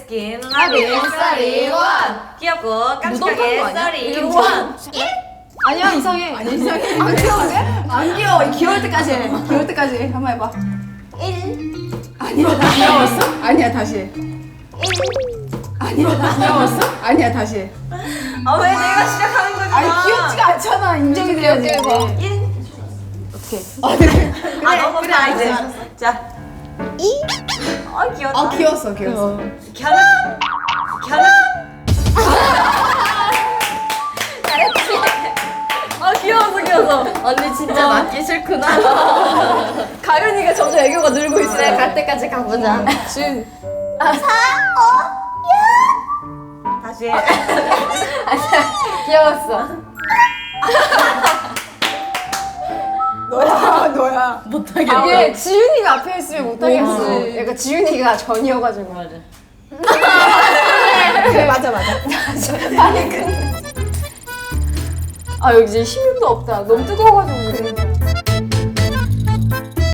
스킨 하빈, 쌀이, 원. 귀엽고 깜찍하게 묻었던 거 아니야? 쌀이 이거 원. 아니야 이상해. 아니 이상해. 안 귀여운데? 안 귀여워. 귀여울 때까지 해. 귀여울 때까지 해. 한번 해봐. 1. 아니야 다시. 귀여웠어? 아니야 다시. 1. 아니야 다시. 귀여웠어? 아니야 다시. 아 왜 내가 시작하는 거잖아. 아니 귀엽지가 않잖아. 인정이 돼야지. 1. 어떻게? 아 너무 그래, 다 이제. 알았어. 자. 2. 아 귀엽다. 아 귀여웠어 귀여웠어. 갸나. 갸나. 아 귀여워서. 언니 진짜 맞기 싫구나. 가윤이가 점점 애교가 늘고 있어. 그래 갈 때까지 가보자. 준. 다시. 귀여웠어. 너야. 이게 지윤이가 앞에 있으면 못하겠어. 약간 지윤이가 전이어가지고. 맞아. 그래 맞아. 아니 근데. 아 여기 이제 힘도 없다. 너무 뜨거워가지고.